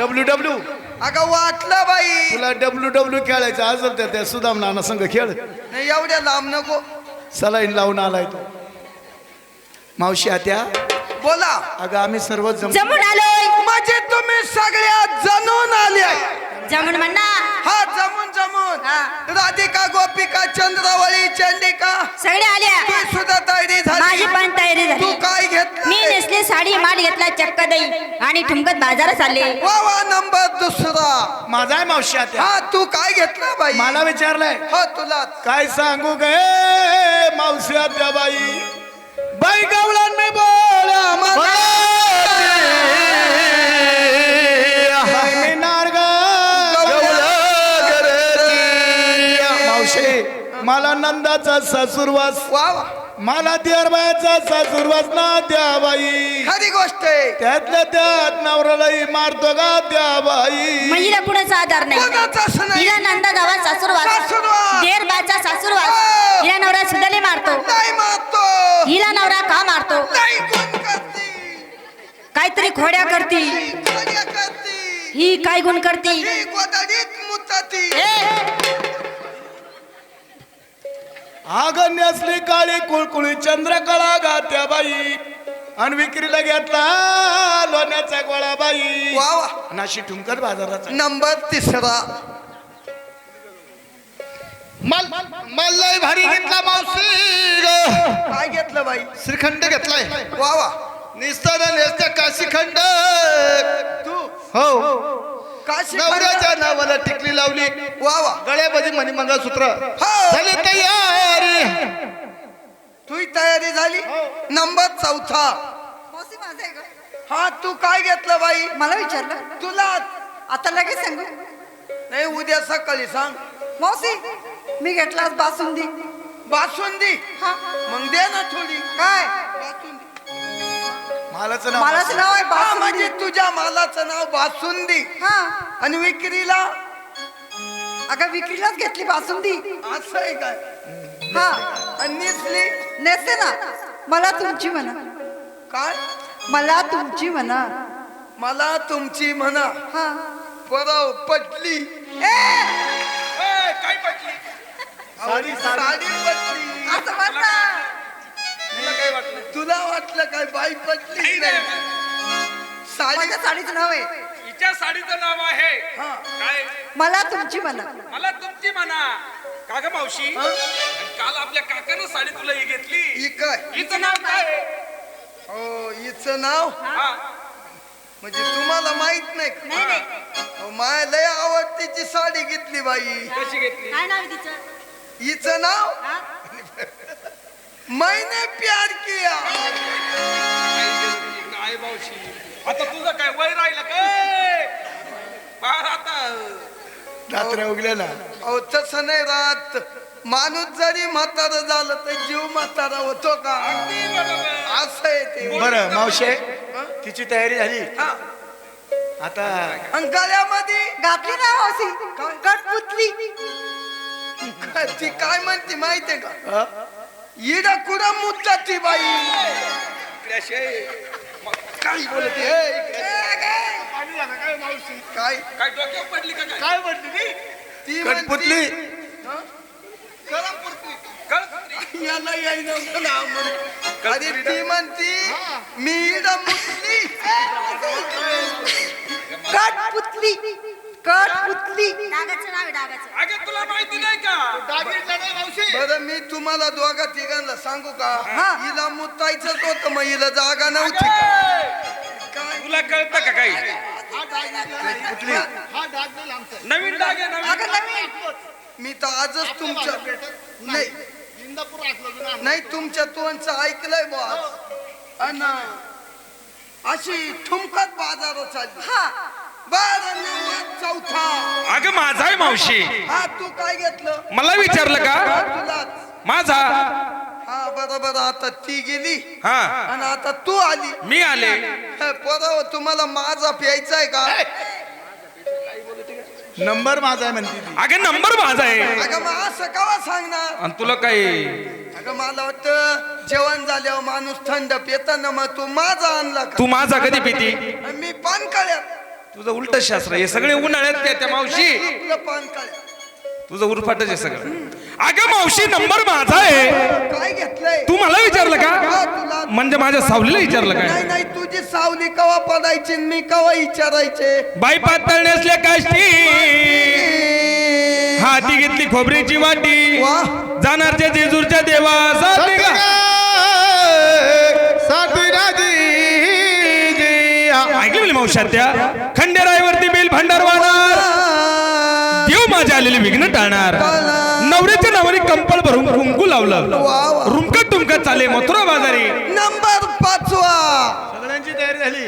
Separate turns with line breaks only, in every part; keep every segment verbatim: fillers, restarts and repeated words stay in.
W W
अगं वाटलं बाई
तुला डब्ल्यू डब्ल्यू खेळायचं असेल तर त्या सुदाम नाना संघ खेळ
नाही एवढ्या लांब नको
सलाईन लावून आलाय तो मावशी आत्या
बोला
अगं आम्ही सर्व जम
जमून आलोय
म्हणजे तुम्ही सगळ्या जणून आल्या
जमून म्हणा
हा जमून जमून
हा.
राधिका गोपिका चंद्रावळी चंडिका
सगळे आल्या
तू सुद्धा तयारी
माझी
झाली
पण तयारी
तू
झाली
काय घेतलं
मी नेसले साडी माल घेतला चक्क दही आणि ठुमकत बाजारात चालले
वा वा नंबर दुसरा
माझा आहे मावशी आत्या
हा तू काय घेतलं बाई
मला विचारलंय
हो तुला
काय सांगू गे मावशी आत्या बाई बाई गवळण मी बोला मावशी मला नंदाचा सासूरवास
वा वा
मला देरबाईचा सासूरवास ना द्या बाई
खरी गोष्ट आहे
त्यातल्या त्यात नवऱ्यालाही मारतो का द्या बाई
महिला कुणाचा आधार नाही
कोणाचाच नाही.
हिला नंदा गावात सासूरवास
सासूरवास.
देर बाचा सासूरवास
हो.
हिला नवरा सुदाले मारतो
नाही मारतो
हिला नवरा का मारतो
नाही गुण करती
काहीतरी खोड्या करती
कार्य करती
ही काय गुण करती
ही गोदडीत मुताती
आगण्य असली काळी कुळकुळी चंद्रकळा गात्या बाई आणि विक्रीला घेतला लोण्याचा गोळा बाई
वा वा
नाशी ठुमकर बाजाराचा
नंबर तिसरा
मल मल्लय भारी घेतला मावशी ग.
काय घेतलं बाई
श्रीखंड घेतलाय
वा वा
निस्तारा नेसत्या काशीखंड
तू
हो
काशी
नवऱ्याच्या नावाला टिकली लावली
वा वा
गळ्यामध्ये मणी मंगळसूत्र
हो.
झाली तयारी
तुझी तयारी झाली नंबर चौथा हा तू काय घेतलं बाई
मला विचारलं
तुला
आता लगेच सांगू
नाही उद्या सकाळी सांग
मावशी मी घेतला आज बासुंदी
बासुंदी
हा
मग दे ना थोडी
काय
बासुंदी
मालाचं नाव
मालाचं नाव आहे
हा,
बासुंदी
म्हणजे तुझ्या मालाचं नाव बासुंदी
हा
आणि विक्रीला
अगं विक्रीलाच घेतली बासुंदी
असं आहे काय
हा
आणि नेसली
नेसते ना मला तुमची म्हणा
काय
मला तुमची म्हणा
मला तुमची म्हणा
हा
परव पटली
काय पटली
साडी साडी पटली
असं म्हणता
तुला काय वाटलं
तुला वाटलं काय बाई पटली नाही साडी
माझ्या साडीचं नाव आहे
हिच्या साडीचं नाव आहे
हा
काय
मला तुमची म्हणा
मला तुमची म्हणा का ग मावशी
हा?
आणि काल आपल्या काकानं साडी तुला ही घेतली
ही काय
हिचं नाव काय आहे?
हो हिचं नाव
हा
म्हणजे तुम्हाला माहित नाही का?
नाही नाही
अहो, माया लय आवडतीची साडी घेतली बाई
कशी घेतली
काय नाव आहे तिचं
हिचं नाव
हा?
मैंने प्यार किया
काय मावशी आता तुझं काय वय राहिलं काय बाहेर आता
रात्र उगल्या ना
अहो तसं नाही राहत माणूस जरी म्हातारा झालं तर जीव म्हातारा होतो का
अगदी बरोबर.
असं आहे ते
बरं मावशे
हा?
तिची तयारी झाली
हा.
आता
आणि गळ्यामध्ये
घातली ना मावशी कटपुतली
काय- ती काय म्हणते माहितीये का
अ?
इडा कुडा मुद्दा ती बाई
इकडे मग काय बोलते
ए, इकडे. काय
काय डोक्यावर पडली का काय
काय म्हटली ती
ती म्हणती-
कटपुतली
हा? कळमपुरती.
कळ
याला यायला नाव म्हण. अरे ती म्हणती मी इडा मुतली
कटपुतली कटपुतली
डागाचं नाव आहे डागाचं
अगे तुला माहिती नाही का
बरं मी तुम्हाला दोघा तिघांना सांगू का
हा.
हिला मुतायचंच होतं मग हिला जागा नव्हती का?
अगे,
काय
तुला कळतं का काही
कुठली
नवीन डाग आहे नवीन
अगं नवीन
मी तर आजच तुमच्या नाही नाही तुमच्या तोंडचं ऐकलंय बॉस अन अशी ठुमकत बाजारात चालली
हा
बर नंबर चौथा
अगं माझा आहे मावशी
हा तू काय घेतलं
मला विचारलं
हा,
का
तुलाच
माझा
हा बरोबर आता ती गेली
हा
आणि आता तू आली
मी आले
बरोबर तुम्हाला माझा प्यायचा आहे का
नंबर माझा आहे म्हणते ती
अगे नंबर माझा आहे
अगं मग असं कवा सांगणार
आणि तुला काय
अगं मला वाटतं जेवण झाल्यावर माणूस थंड पिताना मग तू माझा आणला का
तू माझा कधी पिती
आणि मी पान कळ्यात
तुझं उलट शास्त्र हे सगळे उन्हाळ्यात त्या त्या मावशी
आपलं पान काळ्या
तुझं उरफाटच आहे सगळं. अगं मावशी नंबर माझा आहे.
काय घेतलंय
तू मला विचारलं
हा,
का
तुला
म्हणजे माझ्या सावलीला विचारलं
नाही
काय?
नाही तुझी सावली कवा पडायची आणि मी कवा विचारायचे
बाई पातळ नेसल्या काष्टी हाती घेतली खोबरीची वाटी
वा.
जाणारच्या जेजूरच्या देवा
साठी ग, साठी राजी जी.
ऐकली म्हणली मावशात त्या खंडेरायवरती बेल भंडार वाहणार देव माझ्या आलेले विघ्न टाळणार. नवऱ्याच्या नावाने कंपल भरून कुंकू लावलं रुमकत तुमकत चाले मथुरा बाजारी.
नंबर पाचवा
सगळ्यांची तयारी झाली.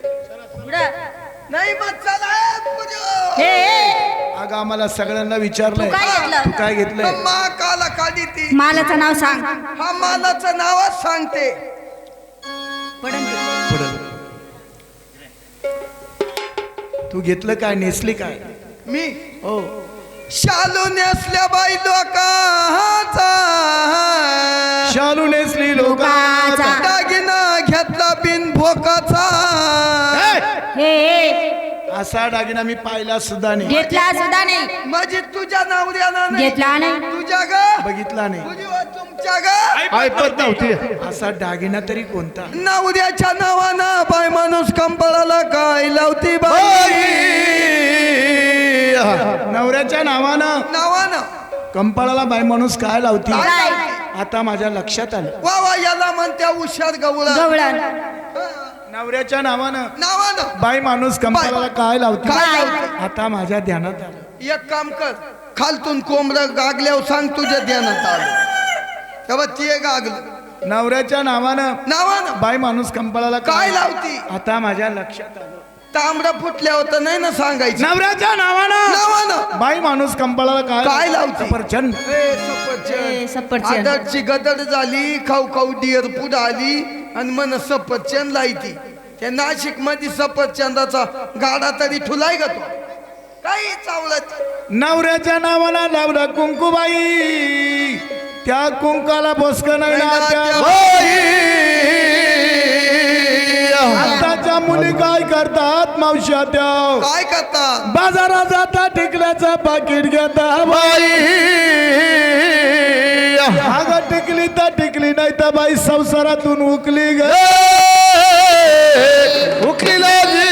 नाही मग चला ए, पुजो.
हे हे,
अगं आम्हाला सगळ्यांना विचारलंय
तू काय घेतलं?
तू काय घेतलंय?
मा काला काढी ती
मालाचं नाव सांग.
हा मालाचं नावच सांगते
पडन ते.
तू घेतलं काय नेसली काय?
मी
हो
शालू नेसल्या बाई लोकाचा
शालू नेसली लोकाचा.
लोकाचा.
दागिना घेतला बिन भोकाचा
हे हे,
असा दागिना मी पाहिला सुद्धा नाही,
घेतला सुद्धा नाही.
माझी तुझ्या नवऱ्याला नाही
घेतला नाही.
तुझ्या ग
बघितला नाही.
तुझी व तुमच्या ग
ऐपत नव्हती.
असा दागिना तरी कोणता?
नवऱ्याच्या नावानं बाय माणूस कंपळाला काय लावती बाई
नवऱ्याच्या नावानं
नावानं
कंपाळाला बाई माणूस काय लावती?
काय?
आता माझ्या लक्षात आलं.
वा वा याला म्हणत्या हुशार गवळा
गवळण.
नवऱ्याच्या नावानं
नावानं
बाई माणूस कंपाळाला काय लावती?
काय लावती?
आता माझ्या ध्यानात आलं.
एक काम कर खालतून कोंबडं गागल्यावर सांग तुझ्या ध्यानात आलं तेव्हा ते गागलं
नवऱ्याच्या नावानं
नावानं
बाई माणूस कंपाळाला
काय लावती?
आता माझ्या लक्षात आलं.
तांबडा फुटल्या होता नाही ना सांगायचं
नवऱ्याच्या नावानं
नावानं
बाई माणूस कंपाळाला काय
काय लावती?
सफरचंद.
ए, सफरचंद.
ए, सफरचंद.
आदरची गदर झाली खाऊ खाऊ डिअर पुढे आली आणि मन सफरचंद लायती त्या नाशिक मध्ये सफरचंदाचा गाडा तरी ठुलाय का तो काही चावलत
नवऱ्याच्या नावानं लावलं कुंकुबाई त्या कुंकाला बोसक नाही आताच्या मुली काय करतात मावश्या त्या
काय करतात
बाजारात जाता टिकल्याचं पाकिट घेता बाई अगं टिकली तर टिकली नाही तर बाई संसारातून उकली ग
उकलीला जी.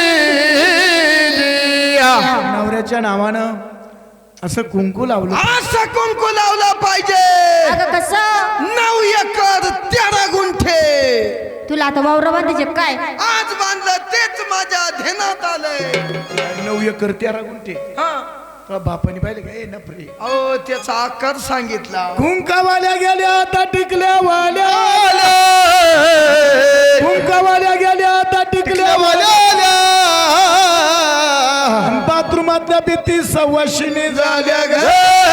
नवऱ्याच्या नावानं असं कुंकू लावलं.
असं कुंकू लावला पाहिजे
अगं कसं?
नऊ एकर तेरा गुंठे
तुला आता वावर बांधायचे काय?
आज बांधलं तेच माझ्या ध्यानात आलंय
नऊ एकर तेरा गुंठे.
हा
तुला बापाने पाहिले का? ए नपरे.
अहो त्याचा आकार सांगितला
कुंकावाल्या गेल्या आता टिकल्या वाल्या कुंकावाल्या गेल्या आता टिकल्या वाल्या बाथरूमातल्या भीती सव्वाशिनी झाल्या ग.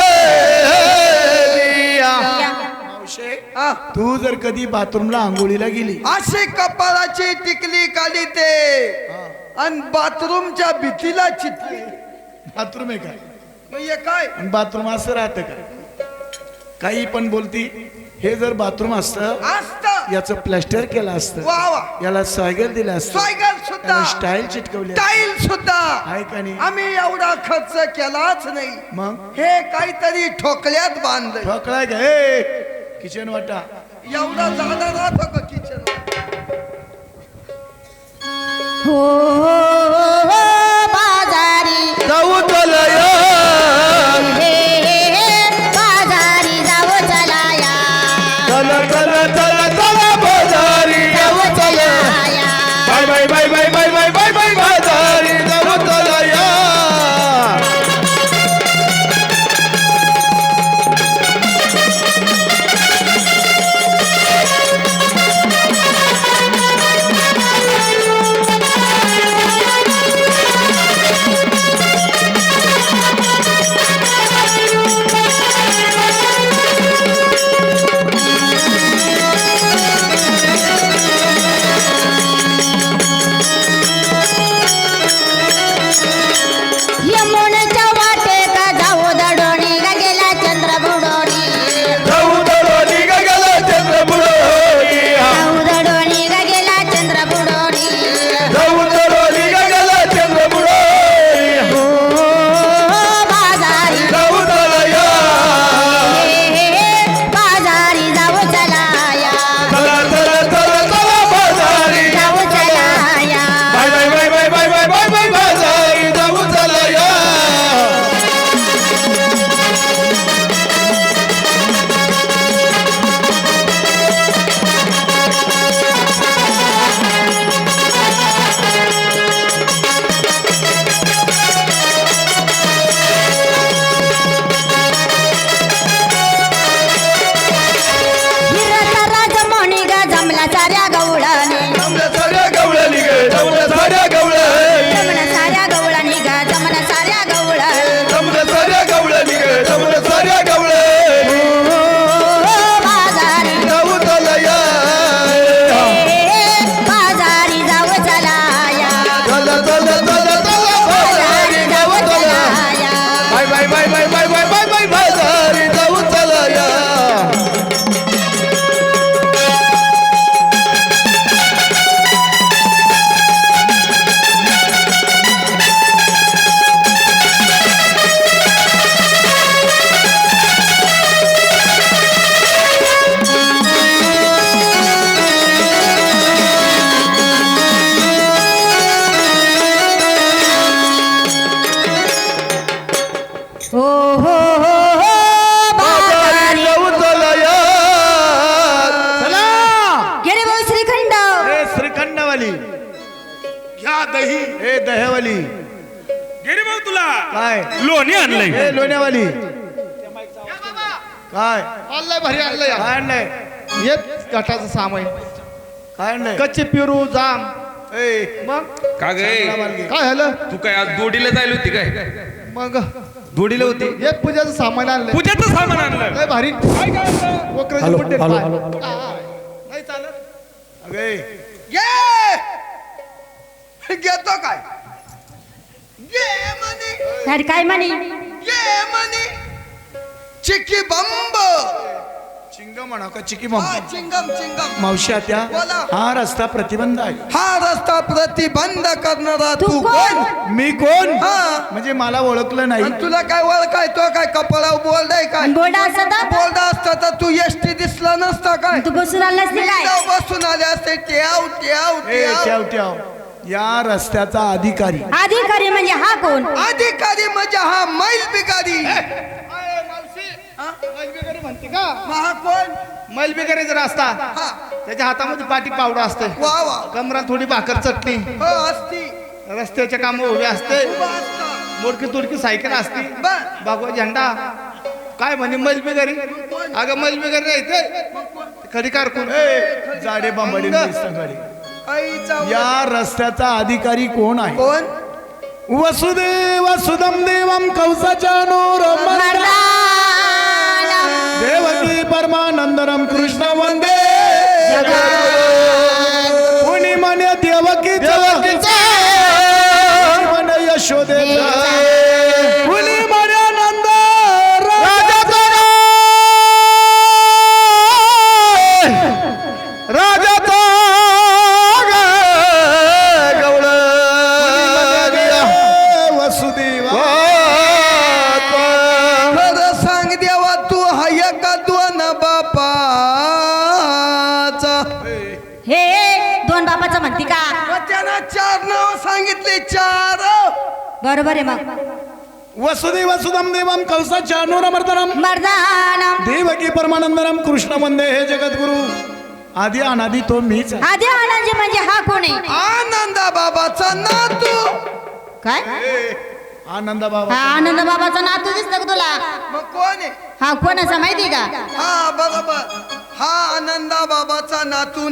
हा.
तू जर कधी बाथरूमला आंघोळीला गेली
अशी कपाळाची टिकली काढी ते आणि बाथरूमच्या भीतीला चितली
बाथरूम आहे काय?
मग हे काय
आणि बाथरूम असं राहतं का? काही पण बोलती. हे जर बाथरूम असतं
असत
याचं प्लॅस्टर केलं असतं,
वा वा
याला स्वायगल दिलं असतं,
स्वायगल सुद्धा
याला स्टाईल चिटकवली असती.
टाईल सुद्धा
आहे का नाही?
आम्ही एवढा खर्च केलाच नाही
मग
हे काहीतरी ठोकल्यात बांधलंय
ठोकलाय का? हे किचन वाटा
एवढा जाणार राहतो का किचन
हो हो, हो, बाजारी
जाऊ चलय
हे हे, हे, बाजारी जावं चलाया.
चल चल चल चल बाजारी जाऊ चलय. Bye bye bye bye bye bye bye bye बाजारी जाऊ चलय.
दही ए दह्यावाली
गिरी भाऊ तुला
काय
लोणी आणलंय
ए लोण्यावाली काय
आणलंय भारी आणलंय
काय आणलंय
येत घाटाचं सामान
काय आणलंय
कच्चे पेरू जाम
ए
मग
का गे
काय झालं
तू काय आज दोडीला जायला होती काय
मग
दोडीला होती
हे पूजाचं सामान आणलंय
पूजाचं सामान आणलं
लय भारी
काय काय आणलं?
वक्राचे बुड्डे पाय. नाही चालत
अगे
ये घेतो काय ये म्हणे
अरे काय म्हणे
ये म्हणे चिकी बंब
चिंगम म्हणा का चिकी
हा
बंब
चिंगम चिंगम
मावशी आत्या
बोला.
हा रस्ता प्रतिबंध आहे
हा रस्ता प्रतिबंध करणारा
तू
तू
कोण?
कोण
मी कोण
हा.
म्हणजे मला ओळखलं नाही
आणि तुला काय ओळखाय तो काय कपाळा बोलडाय काय
बोर्ड असं तर
बोलडा असता तर तू एसटी दिसला नसता काय
तू बसून आला असते काय
विंडो बसून आले असते ट्याव ट्याव
ए
ट्याव
ठेव ठेव या रस्त्याचा अधिकारी
अधिकारी म्हणजे हा कोण
अधिकारी म्हणजे हा मैल बिगारी
मैलबिगारी म्हणते का
हा कोण
मैलबिगारी जर असता
हा
त्याच्या हातामध्ये पाटी पावडा असते
वा वा
कमरात थोडी भाकर चटणी
हो असती
रस्त्याच्या काम उभे असते
उभा असता.
मोडकी तोडकी सायकल असते
बर.
बागवा झेंडा काय म्हणे मैलबिगारी अगं मैलबिगारी नाही ते खडी कारकून
ए जाडे बांबडी
अंग.
आईचा
या रस्त्याचा अधिकारी कोण आहे
कोण
वसुदेव सुदम देवम कौसाच्या नोर
मर्दाना.
देवकी परमानंदरम कृष्ण वंदे कुणी म्हणे देवकी म्हणे यशोदे कुणी म्हणे नंद राजाचा
राजाचा गवळ
वसुदेव
खरं सांग देवा तू हाय का दोन बापाचा
हे दोन बापाचं म्हणती का
मग त्यानं चार नाव सांगितले चार
बरोबर आहे मग
वसुदेव सुदम देवम कौसाच्या नूरमर्दनम
मर्दाना
देवकी परमानंदरम कृष्ण वंदे हे जगद्गुरु आधी अनादी तो मीच आहे.
आधी आनंद म्हणजे हा कोण आहे
आनंदा बाबाचा नातू
काय
आनंद
हा
बाबा
आनंद बाबाचा नातू दिसतो का तुला
मग कोण आहे
हा कोणाचा माहिती का
हा बरोबर हा आनंदा बाबाचा नातू